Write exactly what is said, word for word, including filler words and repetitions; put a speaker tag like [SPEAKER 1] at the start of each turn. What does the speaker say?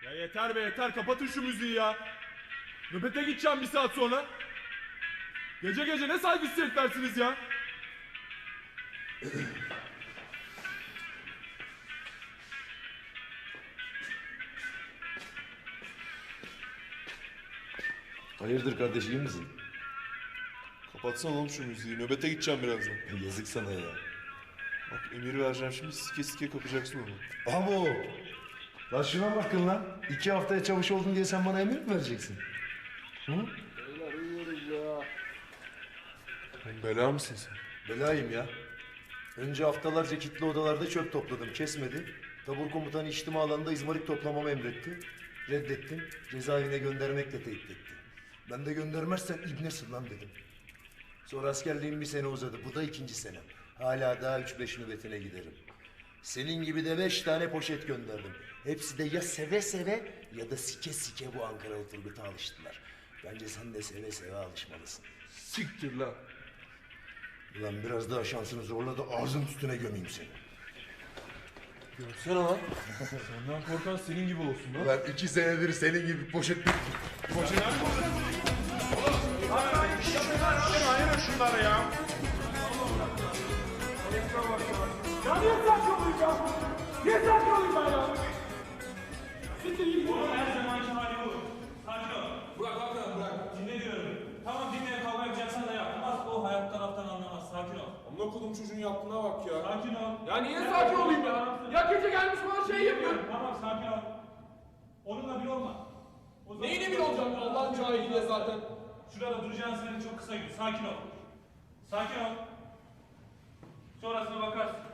[SPEAKER 1] Ya yeter be yeter, kapatın şu müziği ya. Nöbete gideceğim bir saat sonra. Gece gece ne saygısız heriflersiniz ya.
[SPEAKER 2] Hayırdır kardeş, iyi misin?
[SPEAKER 3] Kapatsana oğlum şu müziği. Nöbete gideceğim birazdan.
[SPEAKER 2] Yazık sana ya.
[SPEAKER 3] Bak emir vereceğim şimdi, sike sike kapacaksın onu.
[SPEAKER 2] Abo! Lan şuna bakın lan. İki haftaya çavuş oldun diye sen bana emir mi vereceksin? Hı?
[SPEAKER 3] Oğlum bela mısın sen?
[SPEAKER 2] Belayım ya. Önce haftalarca kilitli odalarda çöp topladım, kesmedi. Tabur komutanı içtima alanında izmarit toplamamı emretti. Reddettim, cezaevine göndermekle tehdit etti. Ben de göndermezsen ibnesin lan dedim. Sonra askerliğim bir sene uzadı, bu da ikinci senem. Hala daha üç beş nöbetine giderim. Senin gibi de beş tane poşet gönderdim. Hepsi de ya seve seve ya da sike sike bu Ankaralı Turgut'a alıştılar. Bence sen de seve seve alışmalısın.
[SPEAKER 3] Siktir lan.
[SPEAKER 2] Ulan biraz daha şansını zorla da ağzın üstüne gömeyim seni.
[SPEAKER 3] Görsene lan. Senden korkan senin gibi olsun lan.
[SPEAKER 2] Ulan iki senedir senin gibi poşet...
[SPEAKER 1] Poşet. Ayırın şunları ya.
[SPEAKER 4] Ya niye sakin olayım ya? Niye sakin olayım ben ya? Siktir git.
[SPEAKER 5] Oğlum her zamanki hali bu. Sakin ol. Bırak bırak bırak. Dinle diyorum. Tamam dinle, kavga yapacaksan da yap. Ama o hayat taraftan anlamaz. Sakin ol.
[SPEAKER 6] Amına kodum çocuğun yaptığına bak ya.
[SPEAKER 5] Sakin ol.
[SPEAKER 6] Ya niye sakin olayım ya? Ya gece gelmiş bana şey yapıyor.
[SPEAKER 5] Tamam sakin ol. Onunla bir olma. O zaman-
[SPEAKER 6] Neyine bir olacağım Allah'ın cahiliyle zaten.
[SPEAKER 5] Şurada duracağın süre çok kısa gün. Sakin ol. Sakin ol. Sonrasına bakarsın.